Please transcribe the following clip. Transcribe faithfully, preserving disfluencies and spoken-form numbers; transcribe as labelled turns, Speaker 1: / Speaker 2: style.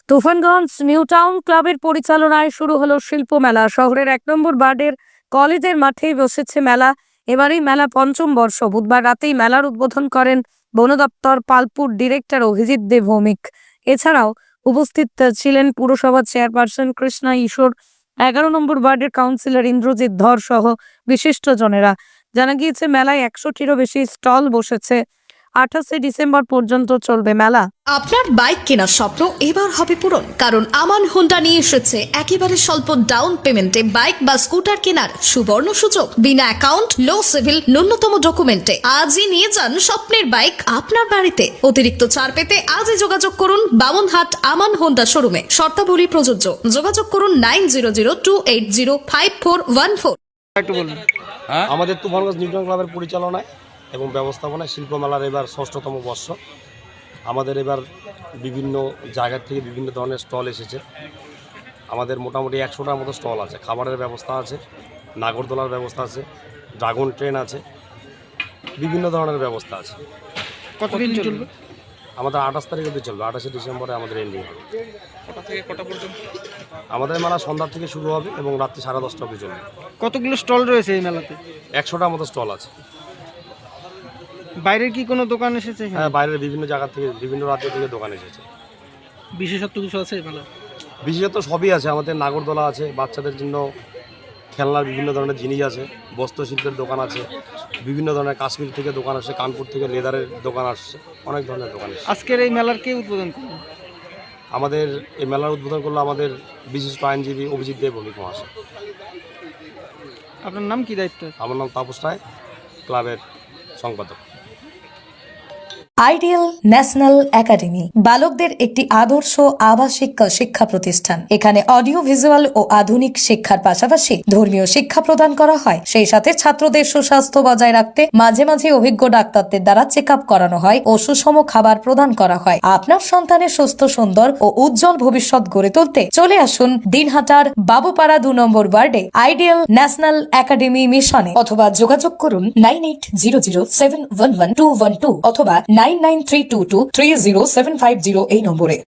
Speaker 1: Tufanganj new town ক্লাবের পরিচালনায় শুরু হলো শিল্প মেলা। শহরের এক নম্বর ওয়ার্ডের কলেজের মাঠেই বসেছে মেলা। এবারই মেলা পঞ্চম বর্ষ। বুধবার রাতেই মেলার উদ্বোধন করেন বন দপ্তর পালপুর ডিরেক্টর অভিজিৎ দে ভৌমিক। এছাড়াও উপস্থিত ছিলেন পুরসভার চেয়ারপারসন কৃষ্ণা ঈশ্বর, এগারো নম্বর ওয়ার্ডের কাউন্সিলর ইন্দ্রজিৎ ধর সহ বিশিষ্টজনেরা। জানা গিয়েছে মেলায় একশোটিরও বেশি স্টল বসেছে। আঠাশে ডিসেম্বর পর্যন্ত চলবে মেলা।
Speaker 2: আপনার বাইক কেনার স্বপ্ন এবার হবে পূরণ, কারণ আমান হোন্ডা নিয়ে এসেছে একেবারে স্বল্প ডাউন পেমেন্টে বাইক বা স্কুটার কেনার সুবর্ণ সুযোগ। বিনা অ্যাকাউন্ট, লো সিভিল, ন্যূনতম ডকুমেন্টে আজই নিয়ে যান স্বপ্নের বাইক আপনার বাড়িতে। অতিরিক্ত ছাড় পেতে আজই যোগাযোগ করুন বামনহাট আমান হোন্ডা শোরুমে। শর্তাবলী প্রযোজ্য। যোগাযোগ করুন nine zero zero two eight zero five four one four.
Speaker 3: একটু বলুন।
Speaker 4: হ্যাঁ,
Speaker 3: আমাদের তুফানগঞ্জ নিউ টাউন ক্লাবের পরিচালনায় এবং ব্যবস্থাপনায় শিল্পমেলার এবার ষষ্ঠতম বর্ষ। আমাদের এবার বিভিন্ন জায়গা থেকে বিভিন্ন ধরনের স্টল এসেছে। আমাদের মোটামুটি একশোটার মতো স্টল আছে। খাবারের ব্যবস্থা আছে, নাগরদোলার ব্যবস্থা আছে, ড্রাগন ট্রেন আছে, বিভিন্ন ধরনের ব্যবস্থা আছে।
Speaker 4: কতদিন চলবে?
Speaker 3: আমাদের আঠাশ তারিখ অবধি চলবে। আঠাশে ডিসেম্বরে আমাদের এন্ডিং হবে।
Speaker 4: কটা থেকে কটা পর্যন্ত?
Speaker 3: আমাদের মেলা সন্ধ্যা থেকে শুরু হবে এবং রাত্রি সাড়ে দশটা অবধি চলবে।
Speaker 4: কতগুলো স্টল রয়েছে এই মেলাতে?
Speaker 3: একশোটার মতো স্টল আছে।
Speaker 4: বাইরের কি কোনো দোকান এসেছে?
Speaker 3: হ্যাঁ, বাইরের বিভিন্ন জায়গা থেকে, বিভিন্ন রাজ্য থেকে দোকান এসেছে।
Speaker 4: বিশেষত্ব কিছু আছে এই মেলা?
Speaker 3: বিশেষত সবই আছে। আমাদের নাগরদোলা আছে, বাচ্চাদের জন্য খেলনার বিভিন্ন ধরনের জিনিস আছে, বস্ত্রশিল্পের দোকান আছে, বিভিন্ন ধরনের কাশ্মীর থেকে দোকান আসছে, কানপুর থেকে লেদারের দোকান আসছে, অনেক ধরনের দোকান আসছে।
Speaker 4: আজকের এই মেলার কে উদ্বোধন করবে?
Speaker 3: আমাদের এই মেলার উদ্বোধন করলো আমাদের বিশিষ্ট আইনজীবী অভিজিৎ দে ভৌমিক মহাশয়।
Speaker 4: আপনার নাম কি, দায়িত্ব?
Speaker 3: আমার নাম তাপস রায়, ক্লাবের সম্পাদক।
Speaker 5: আইডিয়াল ন্যাশনাল একাডেমি বালকদের একটি আদর্শ আবাসিক শিক্ষা প্রতিষ্ঠান। এখানে অডিও ভিজুয়াল ও আধুনিক শিক্ষার পাশাপাশি ধর্মীয় শিক্ষা প্রদান করা হয়। সেই সাথে ছাত্রদের সুস্বাস্থ্য বজায় রাখতে মাঝে মাঝে অভিজ্ঞ ডাক্তারদের দ্বারা চেক আপ করানো হয় ও সুষম খাবার প্রদান করা হয়। আপনার সন্তানের সুস্থ, সুন্দর ও উজ্জ্বল ভবিষ্যৎ গড়ে তুলতে চলে আসুন দিনহাটার বাবুপাড়া দু নম্বর ওয়ার্ডে আইডিয়াল ন্যাশনাল একাডেমি মিশনে, অথবা যোগাযোগ করুন nine eight zero zero seven one one two one two অথবা nine nine three two two three zero seven five zero এই নম্বরে।